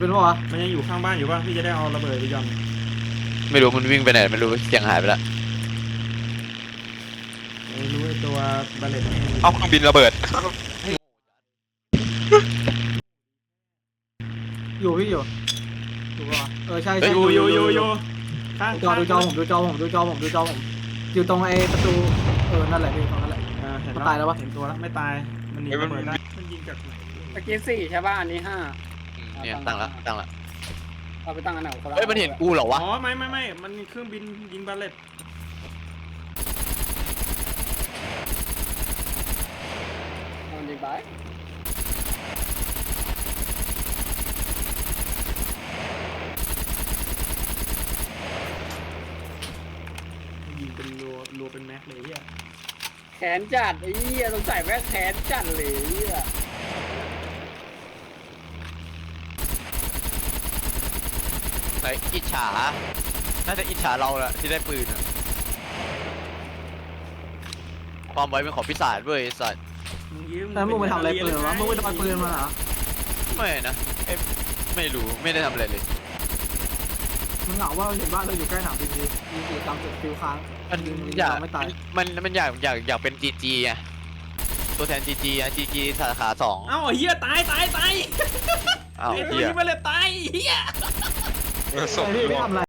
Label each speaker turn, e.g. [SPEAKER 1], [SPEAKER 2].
[SPEAKER 1] เป็นปะวะ
[SPEAKER 2] มันยังอยู่ข้างบ้านอยู่ป่ะพี่จะได้เอาระเบิดไปหย่อน
[SPEAKER 3] ไม่รู้มันวิ่งไปไหนไม่รู้เสียงหายไปแล้ว
[SPEAKER 2] ไม่รู้ไอ้ตัวบาเลต
[SPEAKER 4] เอาเครื่องบินระเบิด
[SPEAKER 1] อยู่พี่อยู่ถูกปะวะใช่ใช่
[SPEAKER 2] อยู่ข้าง
[SPEAKER 1] ดูจอผมอยู่ตรงไอ้ประตูนั่นแหละพี่ตรงนั้นแหละ
[SPEAKER 2] เห็น
[SPEAKER 1] มันตายแล้วปะ
[SPEAKER 2] เห็นตัวแล้วไม่ตายมันหนีระเบิดได้มันยิงจากไหน
[SPEAKER 5] ตะกี้4ใช่ป่ะอันนี้5
[SPEAKER 3] เนี่ยตั้งละ
[SPEAKER 5] เอาไปตั้งอันไหนคนละ
[SPEAKER 3] เฮ้ยมันเห็นกูเหรอวะ
[SPEAKER 2] อ๋อไม่มันเครื่องบินยิงบาเลต
[SPEAKER 5] มันยิงไป
[SPEAKER 2] ยิงเป็นรัวเป็นแม็กเลยเนี่ย
[SPEAKER 5] แขนจัดไอ้เหี้ยสงสัยแม่งแขนจัดเลยไอ้เหี้ย
[SPEAKER 3] ไอ้อิจฉาน่าจะอิจฉาเราแหละที่ได้ปืนอะความไว้เป็นของพิศาจเว้ยไอ้สัตว์
[SPEAKER 1] แล้วมึงไปทำอะไรปืนวะมึงไปโดนปืนมาเหรอ
[SPEAKER 3] ไม่นะไม่รู้ไม่ได้ทำอะไรเลย
[SPEAKER 1] มึงเหงาว่าเห็นบ้านเราอยู่ใกล้หนามบินดียิงอยู่ตามจุดฟิวค้าง
[SPEAKER 3] มัน
[SPEAKER 1] ยิง
[SPEAKER 3] อยาก
[SPEAKER 1] ไม่ตาย
[SPEAKER 3] มันอยากเป็นจีจีไงตัวแทนจีจีจีจีสาขา2
[SPEAKER 2] เอ้าเฮียตาย
[SPEAKER 3] อ้าว
[SPEAKER 2] ไอ้ตัว
[SPEAKER 3] เหี้ย
[SPEAKER 2] ยิงบาเลตตายเฮีย
[SPEAKER 4] ส่ง
[SPEAKER 1] ไอ้พี่ไม่ทำอะไร